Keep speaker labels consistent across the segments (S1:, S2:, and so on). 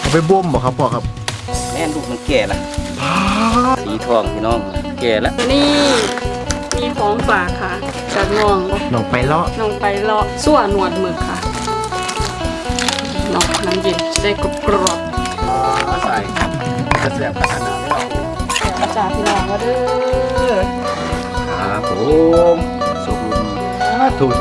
S1: ไปบ่มบ่ครับพ่อครับ
S2: แม่ลูกมันแก่ละสีทองพี่น้องแก่แล้ว
S3: นี่มีของฝากค่ะจากน้อง
S1: ไปเลาะ
S3: สั่วหนวดหมึกค่ะน้องน้ำเย็นจะได้กรอบ
S2: ใส่กระเสียบกระทะน้ำเรา
S3: อาจารย์พี่น้องมาเด้อ
S2: ครับผมสุกลุนถู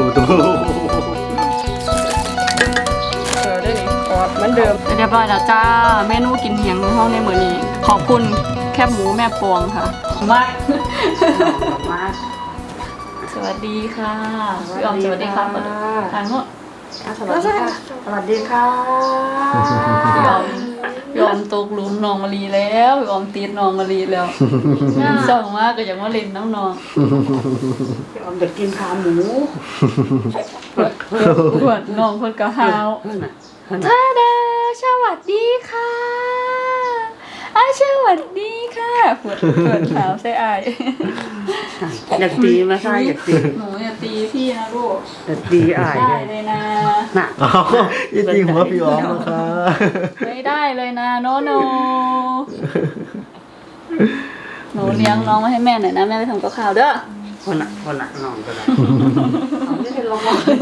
S3: ได้เลยเหมือนเดิมเรียบร้อยแล้วจ้าเมนูกินเฮียงในห้องในมื้อนี้ขอบคุณแคบหมูแม่ปองค่ะมากสวัสดีค่ะพี่ออมสวัสดีค่ะทางโน้น
S4: สวัสดีค่ะสวัสดีค่ะ
S3: พี่ออมตกหลุมน้องมะลีแล้วพี่ออมตีน้องมะลีแล้วส่งมากก็อยากมาเล่นน้อง
S4: พี่ออมจะกินขาหมู
S3: ปวดน้องคนกระหาวท่าดาสวัสดีค่ะสวัสดีค่ะปวดเท้าใส่อาย
S4: อยากตีมาใช่อยากตี
S3: หนูอยากตีพี่นะลูก
S4: อยากตีอาย
S3: ได้เลยนะ
S1: น่ะยิ่งตีหัวพี่อ๋อมนะคะ
S3: ไม่ได้เลยนะโนหนูเลี้ยงน้องมาให้แม่หน่อยนะแม่ไปทำกับข้าวเด้อ
S4: คนละน้องก็ได้ไม่เป็นไร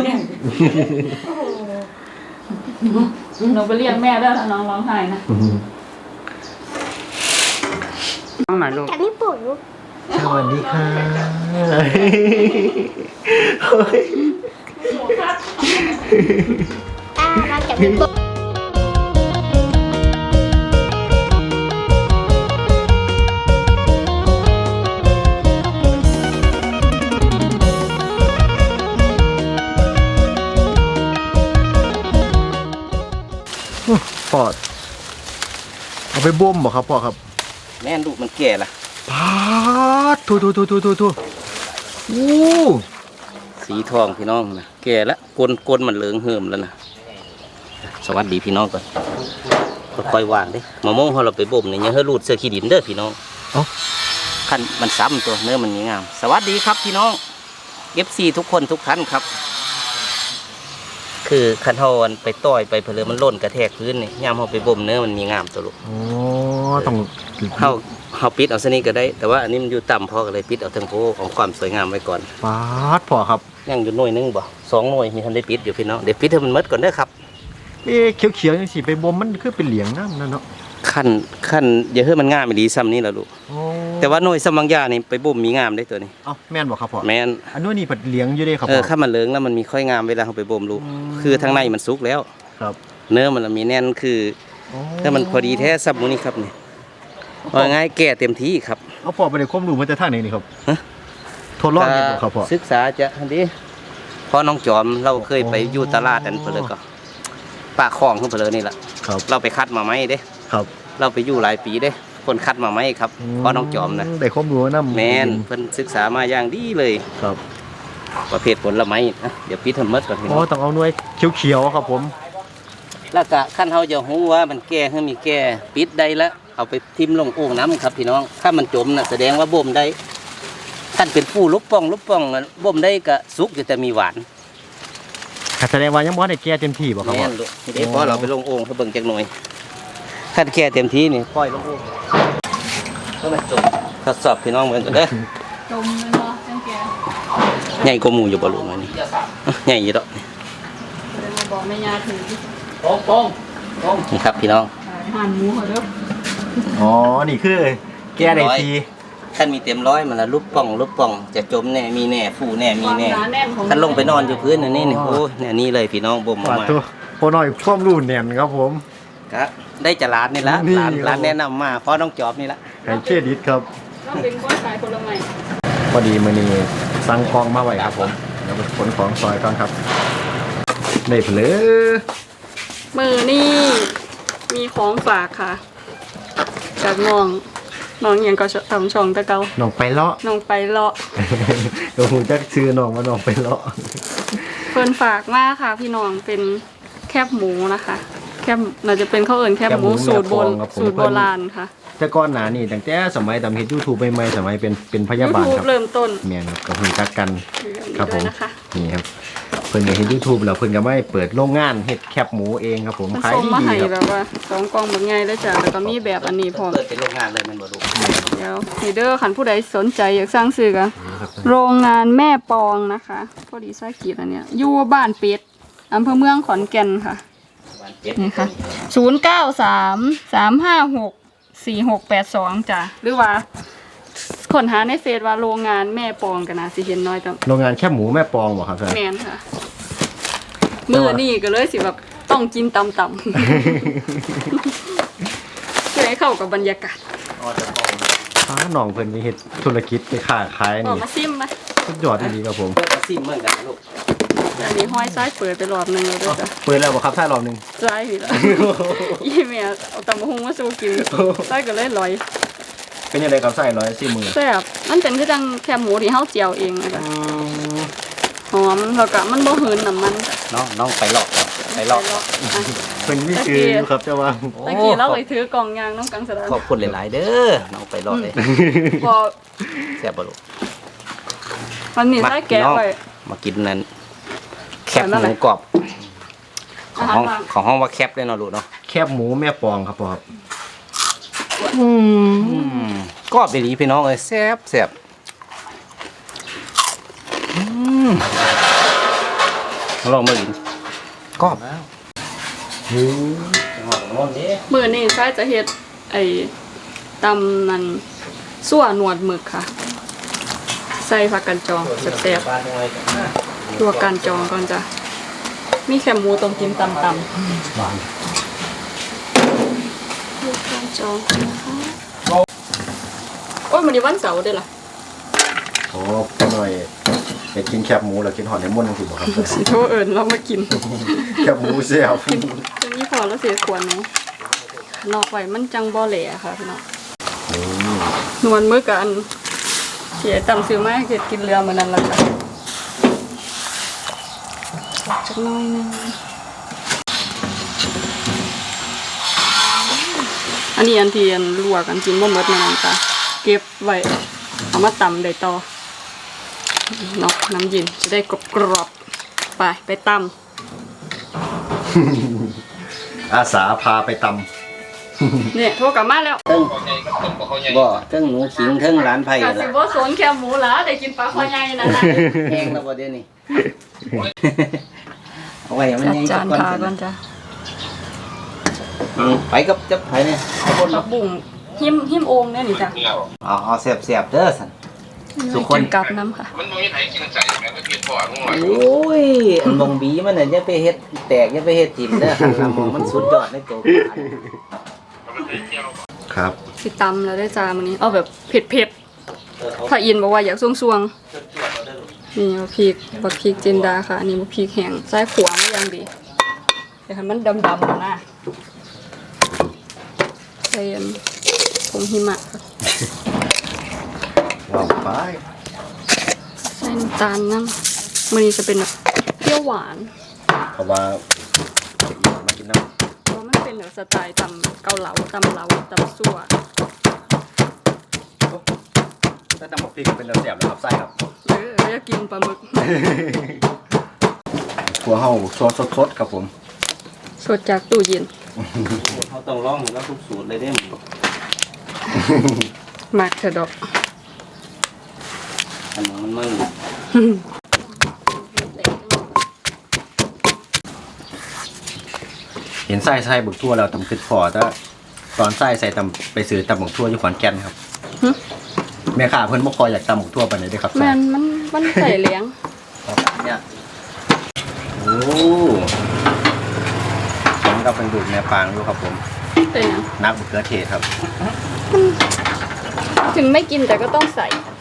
S3: หนูไปเรียกแม่เด้อถ้าน้องร้องไห้นะ
S4: น้องไหนลูก
S5: จากญี่ปุ่น
S1: สวัสดีค่ะ
S5: มาจากญี่ปุ่น
S1: พ่อเอาไปบ่มบ่ครับพ่อครับ
S2: แม่ลูกมันแก่ละ
S1: ทู
S2: สีทองพี่น้องนะแก่แล้วก้นมันเหลืองเหิมแล้วนะสวัสดีพี่น้องก่อนค่อยๆวางดิมะม่วงเราไปบ่มเนี่ยยังให้รูดเสื้อขี้ดินเด้อพี่น้องขั้นมันซ้ำตัวเนื้อมันงามสวัสดีครับพี่น้อง FC ทุกคนทุกท่านครับคือคันเฮาไปต่อยไปเพลิมันล่นกระแทกพื้นนี่ย่ำเฮาไปบ่มเนื้อมันมีงามตัวลูก
S1: ต้อง
S2: เฮาปิดเอาซะนี่ก็ได้แต่ว่าอันนี้มันอยู่ต่ำพอก็เลยปิดเอาทั้งโพของความสวยงามไว้ก่อน
S1: พ่อครับ
S2: ยังอยู่หน่วยนึงบ่2หน่วยมีทันได้ปิดอยู่พี่น้องเดี๋ยวปิดให้มันหมดก่อนเด้อครับ
S1: เขียวๆจังสิไปบ่มมันคือเป็นเหลียงน้ำนั่นเนาะ
S2: ขั้นอย่าให้มันงามอีหลีซ้ำนี่ล่ะลูกแต่ว่าหน่วยสมังยานี่ไปบ่มมีงามได้ตัวนี้
S1: แม่นบ่ครับพ่อ
S2: แม่น
S1: อันนู้นนี่ผัดเหลียงอยู่เด้ครับ
S2: ถ้ามันเหลืองแล้วมันมีค่อยงามเวลาเฮาไปบ่มลูกคือทางในมันสุกแล้ว
S1: ครับ
S2: เนื้อมันมีแน่นคือถ้ามันพอดีแท้ซับหมูนี่ครับนี่ว่าง่ายแก่เต็มที่ครับ
S1: พ่อไปได้ความรู้มาจากทางไหนนี่ครับทดลองเฮ็ดบ่ครับพ่อ
S2: ศึกษาจะอันนี้พอน้องจอมเราเคยไปอยู่ตลาดอันเพิ่นก็ปากคลองเพิ่นนี่ล่ะเราไปคัดมาไหมเด้
S1: ครับ
S2: เราไปอยู่หลายปีเด้คนคัดมาไหมครับพอน้องจอมนะ
S1: ได้ความรู้นำ
S2: แม่นเพิ่นศึกษามาอย่างดีเลย
S1: ครับ
S2: ประเภทผลไม้นะเดี๋ยวปิดให้หมดก่อนพี่น้อง
S1: ต้องเอาหน่วยเขียวๆครับผม
S2: แล้วก็ขั้นเฮาจะฮู้ว่ามันแก่หรือมีแก่ปิดได้แล้วเอาไปทิ่มลงโอ่งน้ำครับพี่น้องถ้ามันจมน่ะแสดงว่าบ่มได้ท่านเป็นผู้ลุบป่องบ่มได้ก็สุกอยู่แต่มีหวาน
S1: แสดงว่ายังบ่ได้แก่เต็มที่บ่ครับ
S2: แม่นลูกทีนี้พอเราไปลงโอ่งเพื่อเบิ่งจักหน่อยขั้นแก่เต็มที่นี่ปล่อยลงโอ่งก็มาจมทดสอบพี่น้องเหมือนกันเด้อ
S3: จมเลยเนาะจังแก่
S2: ใหญ่กว่าหมูอยู่บ่ลูกน้อยนี่ใหญ่อยู่ดอก
S3: บอกแม่ยาถือ
S2: นี่ครับพี่น้อง
S3: หั่นหมูเหรอ
S1: นี่คือแก่ได้ที
S2: ท่านมีเต็มร้อยมันละลุบป่องจะจมแน่มีแน่ฟูแน่มีแน่ท่านลงไปนอนอยู่พื้นนี่โอ้เนี่ยนี่เลยพี่น้องบ่มมา
S1: พอหน่อยความรู้แน่นครับผม
S2: ครับได้จะร้านนี่ละร้านแนะนำมาเพราะน้องจอบนี่ละ
S1: ไก่เครดิตครับ
S3: เป็นก้อนขายผลไม้
S1: พอดีมื้อนี้สั่งของมาไว้ครับผมแล้วไปขนของซอยก่อนครับได้เพลอ
S3: มือนี่มีของฝากค่ะจากน้องยังก็ทำช่องตะเกา
S1: น้องไปเลาะ
S3: ก็
S1: หูจักชื่อน้องว่าน้องไปเลาะ
S3: เพิ่นฝากมากค่ะพี่น้องเป็นแคบหมูนะคะแคบน่าจะเป็นข้าวเอิญแคบหมูสูตรโบราณค่ะ
S1: แต่ก่อนหน้านี้ตั้งแต่สมัยทำเฮ็ด YouTube ใหม่ๆสมัยเป็นพยาบาลครับ
S3: เริ่มต้น
S1: แม่นครับก็หูจักกันครับผมนี่ครับเพิ่นก็เห็น YouTube แล้วเพิ่นก็ไม่เปิดโรงงานเฮ็ดแคบหมูเองครับผม
S3: มัน
S1: ขาย
S3: ส่ง
S1: ดี
S3: มาให้
S1: ค
S3: แบ
S1: รับบ
S3: ว่า2กล่องแบบใหญ่เลยจ้ะแล้วก็มีแบบอันนี้พร้อม
S2: เปิดเป็นโรงงานเลยแมันบ่ลูก
S3: เดี๋ยวนี่เด้อคันผู้ใดสนใจอยากสร้างซื้อก็โรงงานแม่ปองนะคะพอดีไส้กีดอันเนี้ยอยู่บ้านเป็ดอำเภอเมืองขอนแก่นค่ะ
S2: บ้านเป็ด
S3: นี่ค่ะ0933564682จ้ะหรือว่าค้นหาในเฟซว่าโรงงานแม่ปองกันนะสิเห็นน้อยจัง
S1: โรงงานแคบหมูแม่ปองบ่ครับท่าน
S3: แมนค่ะมือนี่ก็เลยสิแบบต้องกินตำๆ เพื่อให้เข้ากับบรรยากาศ
S1: น้องเพิ่นไปเฮ็ดธุรกิจไปค้าขาย
S3: ออ
S1: นี่
S3: กมาซิมไหม
S1: สุดยอดดีครับผม
S2: เปิดกระซิมเหมือนกันนะลูก
S3: อันนี้ห้อยซ้ายเปิดไปรอบหนึงแล้วด้วยจ้ะ
S1: เปิดแล้วบ่ครับท่านรอบนึง
S3: ซ้ายพี่ละอีแม่เอาตำบักหุ่งมาสู้กินซ้ายก็เลยลอย
S1: เป็นยังไงครับใส่110มือ
S3: แซ่บมันเป็นคือจังแคบหมูที่เฮาเจียวเองนะคะหอมแล้วก็มันบ่หืนน้ำมันจ้ะ
S2: น้องไปหลอกก่อนไปหลอกก่อน
S3: อ่ะ
S1: เพิ่นมีชื่ออยู่ครับเจ้าว่า
S3: ตะกี้เราเลยถือกล่องยางน้องกังสดาน
S2: ขอบคุณหลายๆเด้อน้องไปหลอกเลย
S3: พอ
S2: แซ่บบ่ลูก
S3: มันนี่ได้แกะไว้
S2: มากินนั้นแคบ
S3: ใส่มา
S2: ห
S3: ไหน
S2: มูกรอบข
S3: อา
S2: อง
S3: หาร
S2: ห้อง
S3: ว่าง
S2: ของห้องว่าแคบเลยเนาะลูกเนาะ
S1: แคบหมูแม่ปองครับพ่อครับ
S2: กรอบดีๆพี่น้องเอ้ยแซ่บแซ่บลองมากินกรอบหอมนวลดิ
S3: มื้อนี้ใช้จะเฮ็ดไอ้ตำมันซั่วหนวดหมึกค่ะ ใส่ผักกันจองแซ่บๆตัวกันจองก่อนจ้ะมีแคบหมูต้องกินตำๆตัวกันจองนะคะโอ้ยมันนี้วันเสาร์เด้อล่ะ
S1: โอ้พ่อหน่อยไปกินแคบหมูแล้วกินหอดในม่วนจังซี่บ่ครับ
S3: สิโทรเอิ้นเรามากิน
S1: แคบหมูแซ่บ
S3: จะมีพอแล้วเสียควรเนาะนอกไว้มันจังบ่แหล่ค่ะพี่น้องนวลมื้อกับอันเสียตำซื้อมาให้เฮ็ดกินเรือมื้อนั้นล่ะค่ะจักหน่อยหนึงอันนี้อันที่อันลวกอันกินบ่หมดมื้อนั้นจ้ะเก็บไว้เอามาตำได้ต่อเนาะน้ำเย็นจะได้กรอบๆไปตำ
S1: อาสาพาไปต
S3: เนี่ยโทรกลับมาแล้ว
S2: บ่เทั้งหนูขิงเทั้งร้านไผ่
S3: กะ
S2: ละ
S3: สิบ่สนแคบหมูหล่ะได้กินปลาคอใหญ่นั่นน่ะ
S2: แห้งแล้วบ่เดี๋ยวนี้เอาไว้ให้มัน
S3: จัด
S2: แห้ง
S3: จาน
S2: ก่อน
S3: ทาก่อนจ้ะ
S2: ไปกับจับไผเนี่ยเอาคน
S3: ผักบุ้งหิมโอ่งเนี่ยนี่จ้ะ
S2: เอาแซ่บๆเด้อสัน ทุกคน
S3: กิกับน้ำค่ะ
S5: มันบ่มีไผกินใจแม่ก็เฮ็ดพ่อลุงหน่อย
S2: โอ้ยอันมองบีมันน่ะอย่าไปเฮ็ดแตกอย่าไปเฮ็ดทิ่มเด้อหันหน้ามองมันสุดยอดในตัวปลา
S1: ำครับ
S3: สิตำแล้วได้จานมื้อนี้เอาแบบเผ็ดๆถ้าอินบอกว่าอยากซวงๆนี่บักพริกจินดาค่ะอันนี้บักพริกแห้งใส่ขวางอย่างดีแต่ให้มันดำๆนะใส่อันผงหิมะค่ะ
S1: ว้าวไป
S3: ใส่น้ำตาลน้ำมื้อนี้จะเป็นแบบเปรี้ยวหวาน
S1: เพราะว่ามากินน้ำ
S3: เพราะมันเป็นแบบสไตล์ตำเกาเหลาตำซั่ว
S1: ถ้าตำบักพริกเป็นแซ่บแล้วครับไส้ครับ
S3: อยากกินปลาหมึก
S1: หัวเฮาซอสสดๆครับผม
S3: สดจากตู้เย็น
S2: เขาต้องลองให้เราทุกสูตรเลยเด้อ
S3: มากเถอะดอก
S2: อันนั้นมัน
S1: เห็นไส้บึกทั่วแล้วตำขึ้นพอแต่ตอนไส้ใส่ตำไปซื้อตำบึกทั่วอยู่ขอนแก่นครับแม่ค้าเพิ่นบ่คอยอยากตำบึกทั่วปานใดเด้อครับ
S3: แม่นมันใส่เลี้ยง
S2: เนี่ย
S1: โอ้ผมกับเป็นดูดแม่ปางอยู่ครับผม
S3: เป็นหยัง
S1: นักมะเขือเทศครับ
S3: ถึงไม่กินแต่ก็ต้องใส่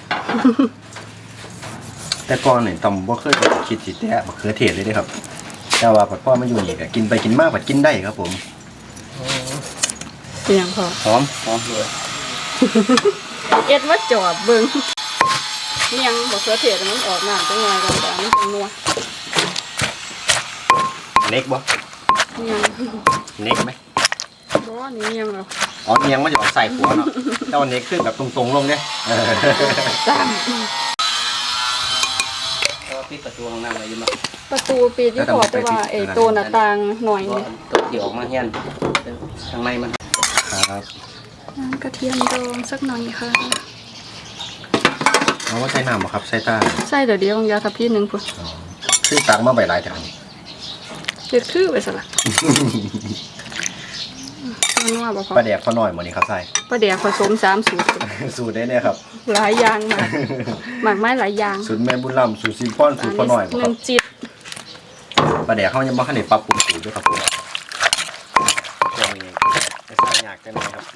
S1: แต่ก่อนเนี่ยตำบ่เคยคิดสิแตะมะเขือเทศเลยเด้อครับ แต่ว่าพอมาอยู่นี่ก็กินไปกินมาก็กินได้ครับผม
S3: เป็นหยังพอ
S2: หอมเลย
S3: เอ็ดว่าจอดเบิ่งเนียงบ่เขือเทศมันออกน้ำจังไงกันแต่มันเป็นนัว
S1: เน็กบ่
S3: เนียง
S1: เน็กไหม
S3: บ่นี่เนียงแล้ว
S1: อ๋อเนียงมันจะออกใส่หัวเนาะแต่ว่าเน็กขึ้นแบบตรงๆลงเนี่ย
S3: ตาม
S2: ตปิดประตูห้องน้ำไว้อยังบ่
S3: ประตูปิดอยู่พอแต่ว่าไอ้ตัวหน้าต่างหน่อย
S2: บ่
S3: นี่
S2: ตัวที่ออกมาเฮียนข้างในมัน
S1: ครับ
S3: น้ำกระเทียมดองสักหน่อยค่ะ
S1: เอาว่าใส่น้ำบ่ครับใส่ตา
S3: ใส่เดี๋ยวเดียวยาทับพี่หนึ่งพุ่น
S1: คือตักมาใบหลายแถวนี้
S3: เด็ดคือไปซะละมันว่าบ่พอ
S1: ปลาแดกพอหน่อยหมดนี่ครับใส่
S3: ปลาแดกผสม3 สูตร
S1: สูตรได้เนี่ยครับ
S3: หลายอย่างมากหมากไม้หลายอย่าง
S1: สูตรแม่บุญลำสูตรซิมพอนสูตรพอหน่อยบ่
S3: ห
S1: ค
S3: นึ่
S1: รับ
S3: งจิต
S1: ปลาแดกเขายังบ่ทันได้ปรับปรุงสูตรด้วยครับผมยังมีไม่ใช่ยากจังเลยครับ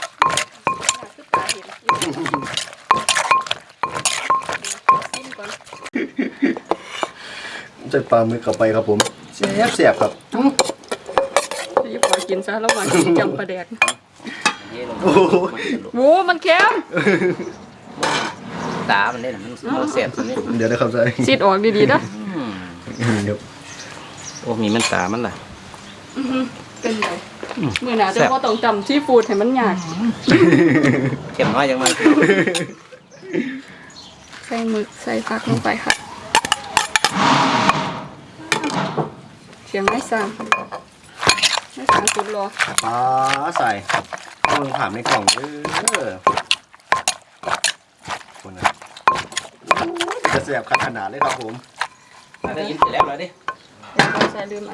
S1: ใส่ปลาหมึกเข้าไปครับผมเสียบครับ
S3: จะพอกินซะแล้วก่อนจำปลาแดก
S1: โอ้โห
S3: โว้มันเค็ม
S2: ตามันเล่นมันเอาเสียบตัวนี้
S1: เดี๋ยวนะครับใส่
S3: ซีดออกดีๆนะ
S1: เดี๋ยว
S2: โอ้มีมันตามันล่ะ
S3: เป็นไงมือหนาจะว่าต้องจำที่ฟูดให้มันยาก
S2: เข็มน้อยยังมัน
S3: ใส่หมึกใส่ผักลงไปค่ะเสียงไม่สั่งสุดรอ
S1: ปลาใส่มือผ่านในกล่องคนนะจะเสียบขนาดเลยครับผม
S2: ได้ยินเสร็จแล้วเลยดิ
S3: ใส่ลืมอัน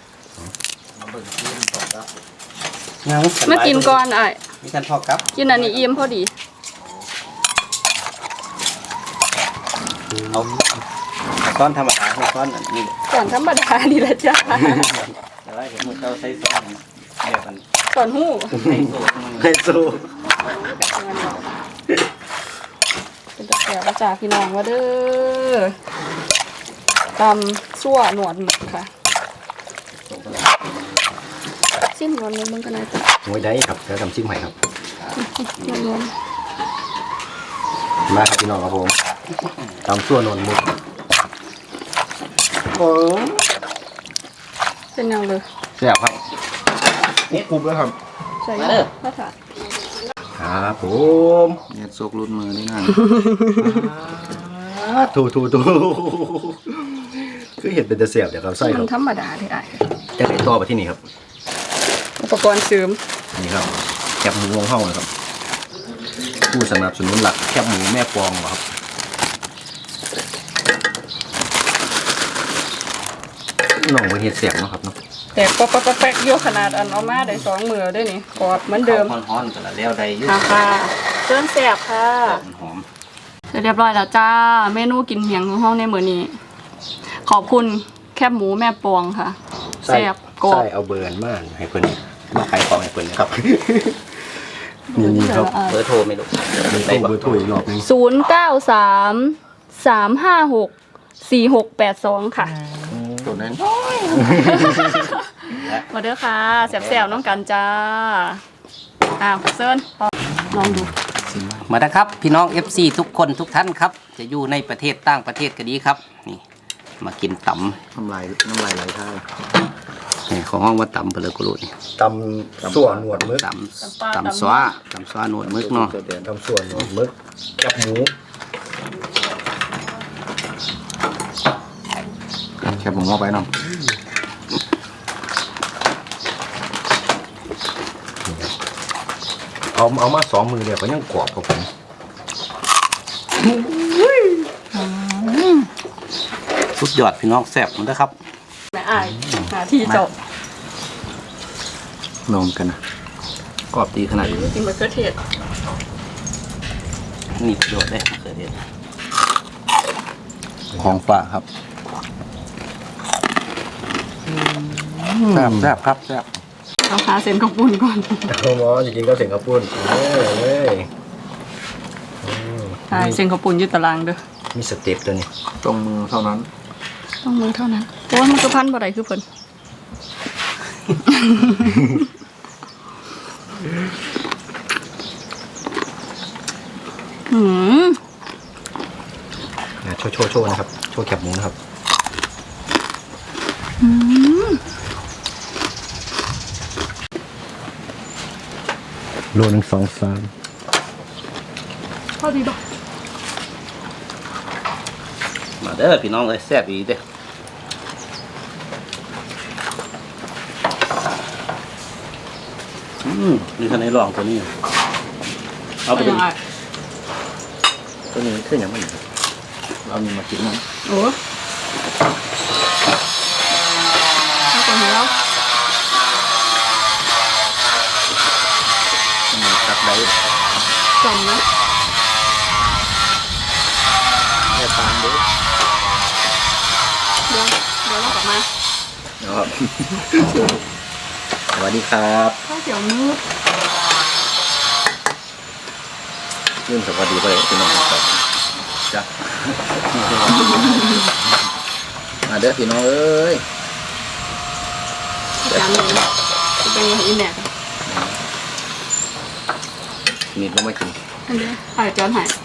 S2: ยัง
S3: มากินก่อนไอ้
S2: มีการทอดครับ
S3: กินอันนี้อิ่มพอดี
S2: เอาซ้อนธรรมดาซ้อนนี่
S3: ก่อนธรรมดาดีละจ้า
S2: แต่ว่าเห็นมือเราใส่ซ้อนแบบมัน
S3: ก่อนหู้
S2: ใส่โซ่
S1: ไฮโซ
S3: เป็นตะแกรงประจ่าพี่น้องว่าเด้อตำซั่วหนวดหมึกค่ะซิมหนวดหมึกมันก็น่าจะ
S1: มวยได้ครับแล้วทำชิ้นใหม่ครับ
S3: นวล
S1: มาครับพี่น้องครับผมตำส่วนนนมุก
S3: ๆเป็นยังเลย
S1: เสียบครับนี่กรุบแล้วครับ
S3: ใส่ข้าวถาด
S1: ครับผม
S2: เนี่ยโซกรุ่นมือนี่นั่น
S1: ถูคือเห็ดเป็นแต่เสียบเดี๋ยวเราใส่ค
S3: มั
S1: รั
S3: น
S1: บ
S3: ธรรมดาที่ไอ้
S1: จะไหนต่อไปที่นี่ครับ
S3: อุปกรณ์เสริม
S1: นี่ครับแคบหมูวงห้องนะครับผู้สนับสนุนหลักแคบหมูแม่ปองเหรอครับน้องเป็นเห็ดเสียบเนาะครับเนาะ
S3: แต่แป๊กโยขนาดอันเอามาได้2 มือด้วยนี่กรอบเหมือนเดิม
S2: ฮ้อนๆกันแล้วได้ยุ่
S3: ค่ะเครื่องแสบค่ะ
S2: หอม
S3: เสร็จเรียบร้อยแล้วจ้าเมนูกินเหียงของห้องในมื้อนี้ ขอบคุณแคบหมูแม่ปองค่ะแซ่บกรอบ
S1: ใช่เอาเบิร์นมากให้เพิ่นมาขายของให้เพิ่นนะครับ นี่ครับ
S2: เบอร์โทรไม่รู้
S1: มี
S2: ได้
S1: ตู้
S2: บ่
S1: เบอร์ถ้วยอีกรอบนึง
S3: 093-356-4682 ค่ะ
S2: ตัวนั้น
S3: มาเด้อค่ะแซ่บๆน้องกันจ้าเซิร์นลองดู
S2: มาแล้วครับพี่น้อง FC ทุกคนทุกท่านครับ จะอยู่ในประเทศต่างประเทศก็ดีครับนี่มากินตำ
S1: น้ำลายไหลท้าย
S2: นี่ของห้องว่าตำเพลกุลุนี่
S1: ตำส่วนหนวดมึก
S2: ตำซ้าหนวดมึกเนาะ
S1: ตำส่วนหนวดมึกแคบหมู
S2: แค่ผมเอาไปเนาะ
S1: เอามา2 มือเดียวก็ยังกรอบครับผม
S2: สุดยอดพี่น้องแซ่บมันนะครับ
S3: แม่อายหาที่จบ
S2: ลงกันนะกรอบดีขนาดนี้
S3: กินมะเขือเทศ
S2: มีประโยชน์ได้มะเขือเทศ
S1: ของฝากครับ
S2: แซ่บครับแซ่บ
S3: เอาหาเส้นข้าวปุ้นก่อน
S1: เอาหมอจริงๆก็เสียงข้าวปุ้นเอ้ย
S3: ใช่เส้นข้าวปุ้นอยึดตารางเด้อ
S1: มีสเต็ปตัวนี้
S2: ตรงมือเท่านั้น
S3: ต้องมือเท่านั้นเพราะว่ามันก็พันบ่ได้คือเพิ่น
S1: โชว์นะครับโชว์แคบหมูนะครับโลนึง2-3
S3: พอดีบ่
S2: มาเด้อพี่น้องเอ้ยแซ่บอีเด้อนี่คันในรองตัวนี้เอาไป
S3: เป็น
S2: ดู
S3: ยังไง
S1: ตัวนี้ขึ้นอย่างมันเรามีมากินมั้ง
S3: โอ้ถ้าคนเห็นแล้ว
S1: มีครับได้
S3: จำนะ
S1: แค่ตามดู
S3: เดี๋ยวเรากลับมา
S1: ครับ สวัสดีครับ
S3: ข้าวเตี๋ยวมืด
S1: เรื่องสวัสดีไปเลยพี่น้องครับจ้ะมาเด้อพี่น้องเอ้ย
S3: จานหนึ่งจะเป็นยังไงอีแม่
S1: มีดลงมากิน
S3: อันนี้ถ่ายจานหาย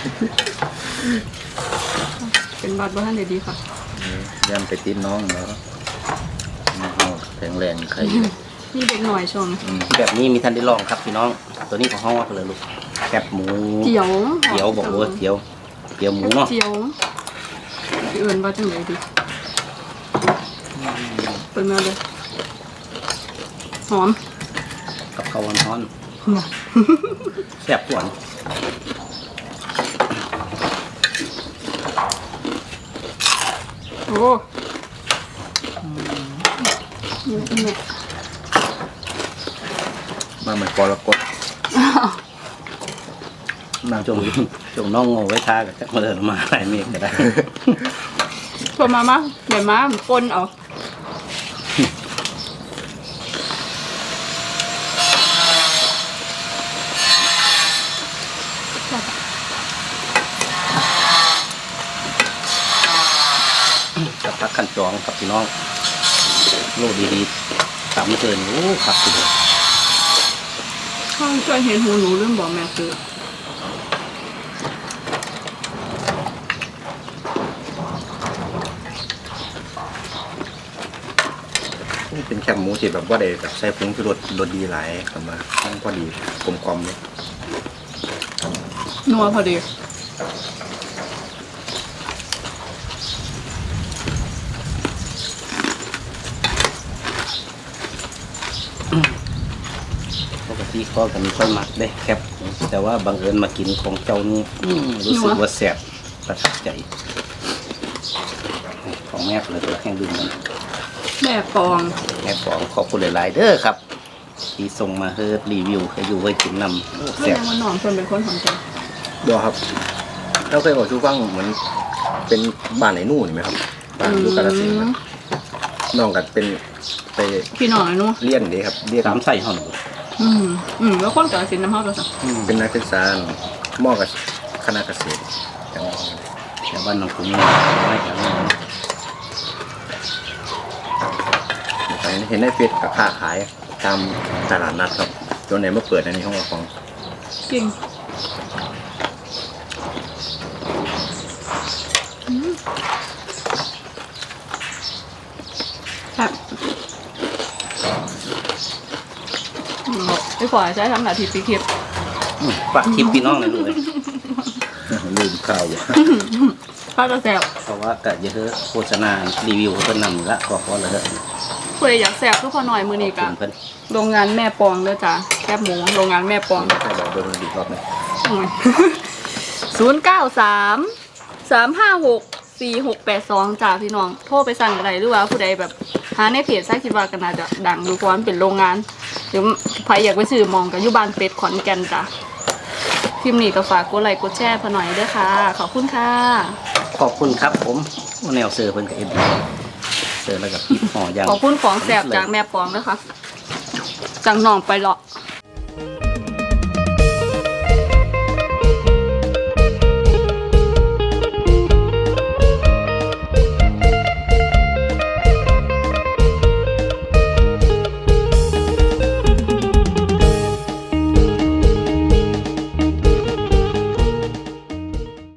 S3: เป็นบัตรบ้านเดี๋ยวดีค่ะ
S1: ย่ำไปติดน้องแล้วแข็งแรงใคร
S3: นี่เด็กหน่อยชม
S2: แบบนี้มีท่านได้ลองครับพี่น้อง ตัวนี้ของห้องว่าเลยลูกแคบหมู
S3: เจียว
S2: เจียวบอกว่าเจียวหมูเนาะ
S3: เจียวพี่เอิญว่าจังเลยดีเปิดมาเลยหอม
S2: กับข้าวร้อนๆแซ่บหวาน
S3: โอ้ยแม่
S1: มาเหมือนกรกฎ
S2: นางจงน้องโง่ไว้ท่ากับมาเดินมาหลายเมฆก็ได้
S3: ชวนมาเดี๋ยวมาปนเอา
S2: กับพักขันจองครับพี่น้องโลดดีๆตามเชิญโอ้ขับสุด
S3: ข้าวช่วยเห็นหูหนูเรื่องบอกแม่คือ
S1: นี่เป็นแคบหมูที่แบบว่าได้แบบใส่ผงชูรสรสดีหลายครับมาพอดีกลมกล่อมเลย
S3: นัวพอดี
S2: ปกติก็กันค่อยมักได้แคบแต่ว่าบังเอิญมากินของเจ้านี่รู้สึกว่าแซ่บประทับใจ ของแม่เลยตัวแห้งดื่มมัน
S3: แม่ปอง
S2: แม่ของขอบคุณหลายๆเด้อครับ ที่ส่งมาเฮิร์รีวิวให้อยู่ไว้กินนำโอ้
S3: ก็
S2: แซ่บ
S3: ยังว่าน้องชวนเป็นคนของใจ
S1: ดูครับเราเคยบอกชูฟังเหมือนเป็นบ้านไหนนู่นไหมครับบ้านอยู่กาฬสินธุ์ครับน้องกันเป็นไป
S3: พี่น้องไอ้หนู
S1: เรียนดีครับเรียน
S2: สามใส่ห่อหนู
S3: แล้วคนกับสินน้ำเฮาตัวสัก
S1: เป็นนักศึกษามอกับคณะเกษตรจังหวัด
S2: แต่บ้านน้องคุณไม่แข็งแรง
S1: เห็นในเฟซกับค้าขายตามตลาดนัดครับจนไหนมาเปิดในนี้ห้องเราของ
S3: จริงแบบไปขอใช้ทำหน้าที่ปีคลิป
S2: ฝากคลิปพี่น้องเลยลูกเลย
S1: ลืมข้าวอยู่
S3: ข้าวจะแซว
S2: เพราะว่ากะเยอะโฆษณารีวิวเพิ่นนำละขอเลยเด้อ
S3: เพื่ออยากแซวทุกคนหน่อยมือนี้กะ
S2: เพิ่น
S3: โรงงานแม่ปองเด้อจ้ะแคบหมูโรงงานแม่ปอง
S1: ใช่บอกโดนมันดีรอบหนึง
S3: 093-356-4682จ้าพี่น้องโทรไปสั่งอะไรหรือว่าผู้ใดแบบหาในเพจใช้คิดว่ากันน่าจะดังดูเพราะว่ามันเป็นโรงงานหรือใครอยากไปซื้อมองกับยุบานเป็ดขอนแก่นจ้ะคลิปนี้ก็ฝากกดไลค์กดแชร์พอหน่อยด้วยค่ะ ขอบคุณค่ะ
S2: ขอบคุณครับผมแนวเสือเพิ่นกับเอ็ดเสือแล้วกับพี่ห่อย่าง
S3: ขอบคุณของแสบจากแม่ปองด้วยค่ะจากหนองไปเลาะ